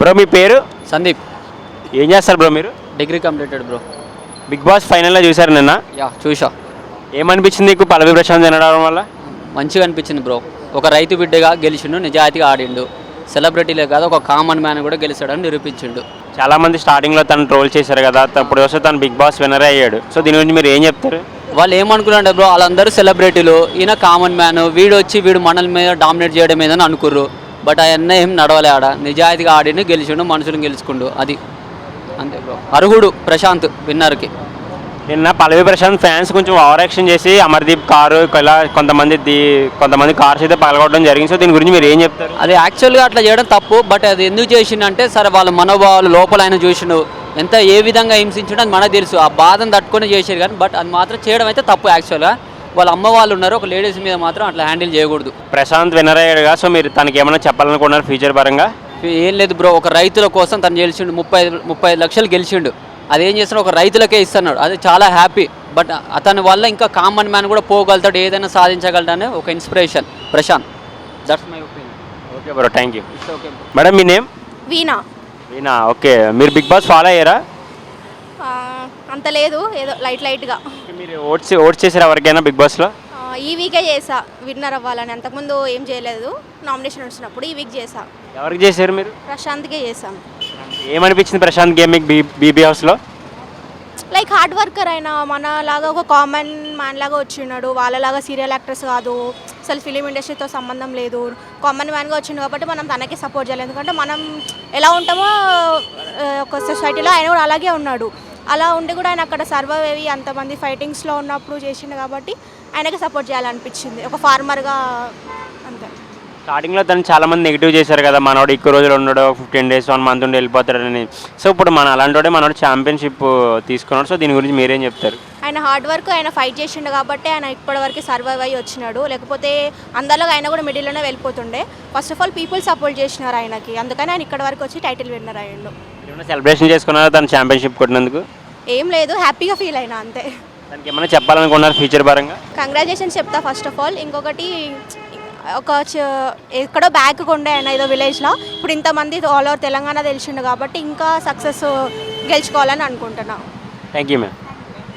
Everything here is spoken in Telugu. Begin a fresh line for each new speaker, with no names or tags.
బ్రో మీ పేరు?
సందీప్.
ఏం చేస్తారు బ్రో మీరు?
Degree completed bro.
Big boss ఫైనల్లో చూసారు నిన్న?
యా చూసా.
ఏమనిపించింది నీకు పల్లవి ప్రశాంత్ వినడం వల్ల?
మంచిగా అనిపించింది బ్రో. ఒక రైతు బిడ్డగా గెలిచిండు, నిజాయితీగా ఆడిండు. సెలబ్రిటీలే కాదు, ఒక కామన్ మ్యాన్ కూడా గెలిచాడని నిరూపించిండు.
చాలామంది స్టార్టింగ్లో తను ట్రోల్ చేశారు కదా, అప్పుడు వస్తే తను బిగ్ బాస్ విన్నర్ అయ్యాడు. సో దీని గురించి మీరు ఏం చెప్తారు?
వాళ్ళు ఏమనుకున్నారంటే బ్రో, వాళ్ళందరూ సెలబ్రిటీలు, ఈయన కామన్ మ్యాన్, వీడు మనల మీద డామినేట్ చేయడం ఏదని అనుకుర్రు. బట్ అవన్నీ ఏం నడవలే. ఆడ నిజాయితీగా ఆడిండు, గెలిచిండు, మనుషులను గెలుచుకుండు. అది అంతే బ్రో. అర్హుడు ప్రశాంత్ విన్నర్కి.
నిన్న పల్లవి ప్రశాంత్ ఫ్యాన్స్ కొంచెం ఓవర్ యాక్షన్ చేసి అమర్దీప్ కారు ఇలా కొంతమంది కార్స్ అయితే పగలగొట్టడం జరిగింది. సో దీని గురించి మీరు ఏం చెప్తారు?
అది యాక్చువల్గా అట్లా చేయడం తప్పు. బట్ అది ఎందుకు చేసిండంటే, సరే వాళ్ళ మనోభావాలు లోపల ఆయన చూసిండు, ఎంత ఏ విధంగా హింసించడం అది మనకు తెలుసు. ఆ బాధను తట్టుకొని చేసారు కానీ, బట్ అది మాత్రం చేయడం అయితే తప్పు. యాక్చువల్గా వాళ్ళ అమ్మ వాళ్ళు ఉన్నారు, ఒక లేడీస్ మీద మాత్రం అట్లా హ్యాండిల్ చేయకూడదు.
ప్రశాంత్ విన్నర్ అయ్యాడుగా, సో మీరు తనకి ఏమైనా చెప్పాలనుకున్నారు ఫ్యూచర్ పరంగా?
ఏం లేదు బ్రో, ఒక రైతుల కోసం తను గెలిచిండు, 35 లక్షలు గెలిచిండు. అదేం చేస్తున్నాడు, ఒక రైతులకే ఇస్తున్నాడు. అది చాలా హ్యాపీ. బట్ అతని వల్ల ఇంకా కామన్ మ్యాన్ కూడా పోగలుగుతాడు, ఏదైనా సాధించగలడనే ఒక inspiration Prashanth. That's my opinion.
Okay bro, thank you.
It's okay.
Madam మీ నేమ్?
వీణా.
వీణా, ఓకే. మీరు బిగ్ బాస్ ఫాలో అయ్యారా?
అంత లేదు, ఏదో లైట్గా.
మీరు ఓట్స్ చేసారు ఎవరికైనా బిగ్ బాస్లో?
ఈ వీకే చేసా విన్నర్ అవ్వాలని. అంతకుముందు ఏం చేయలేదు, నామినేషన్ వచ్చినప్పుడు. ఈ వీక్ చేసా.
ఎవరికి చేశారు మీరు?
ప్రశాంత్కే చేశాను.
ఏమనిపించింది ప్రశాంత్ గేమింగ్ బీబీ హౌస్లో?
లైక్ హార్డ్ వర్కర్ అయినా మనలాగా ఒక కామన్ మ్యాన్ లాగా వచ్చినాడు. వాళ్ళలాగా సీరియల్ యాక్టర్స్ కాదు, అసలు ఫిలిం ఇండస్ట్రీతో సంబంధం లేదు, కామన్ మ్యాన్గా వచ్చిండు. కాబట్టి మనం తనకే సపోర్ట్ చేయాలి. ఎందుకంటే మనం ఎలా ఉంటామో ఒక సొసైటీలో ఆయన కూడా అలాగే ఉన్నాడు. అలా ఉండి కూడా ఆయన అక్కడ సర్వైవ్ అయ్యి అంతమంది ఫైటింగ్స్లో ఉన్నప్పుడు చేసిండు. కాబట్టి ఆయనకి సపోర్ట్ చేయాలనిపించింది ఒక ఫార్మర్గా. అంతే.
స్టార్టింగ్లో తను చాలామంది నెగిటివ్ చేశారు కదా, మనోడు ఎక్కువ రోజులు ఉన్నాడు, 15 days 1 month ఉండి వెళ్ళిపోతాడని. సో ఇప్పుడు అలాంటి మనోడు ఛాంపియన్షిప్ తీసుకున్నాడు. సో దీని గురించి మీరేం చెప్తారు?
ఆయన హార్డ్ వర్క్, ఆయన ఫైట్ చేసిండు కాబట్టి ఆయన ఇప్పటివరకు సర్వైవ్ అయ్యి వచ్చినాడు. లేకపోతే అందరిలో ఆయన కూడా మిడిల్లోనే వెళ్ళిపోతుండే. First of all people support చేసినారు ఆయనకి, అందుకని ఆయన ఇక్కడ వరకు వచ్చి టైటిల్ విన్నర్ అయ్యిండు.
ఏమైనా సెలబ్రేషన్ చేసుకున్నారా తను ఛాంపియన్షిప్ కొట్టినందుకు?
ఏం లేదు, హ్యాపీగా ఫీల్ అయినా అంతే.
దానికి ఏమైనా చెప్పాలనుకున్నారు ఫ్యూచర్ పరంగా?
కంగ్రాచులేషన్స్ చెప్తా ఫస్ట్ ఆఫ్ ఆల్. ఇంకొకటి, ఎక్కడో బ్యాక్ ఉండే ఆయన ఏదో విలేజ్లో, ఇప్పుడు ఇంతమంది ఆల్ ఓవర్ తెలంగాణ తెలిసిండు కాబట్టి ఇంకా సక్సెస్ గెలుచుకోవాలని అనుకుంటున్నాను.
Thank you ma'am.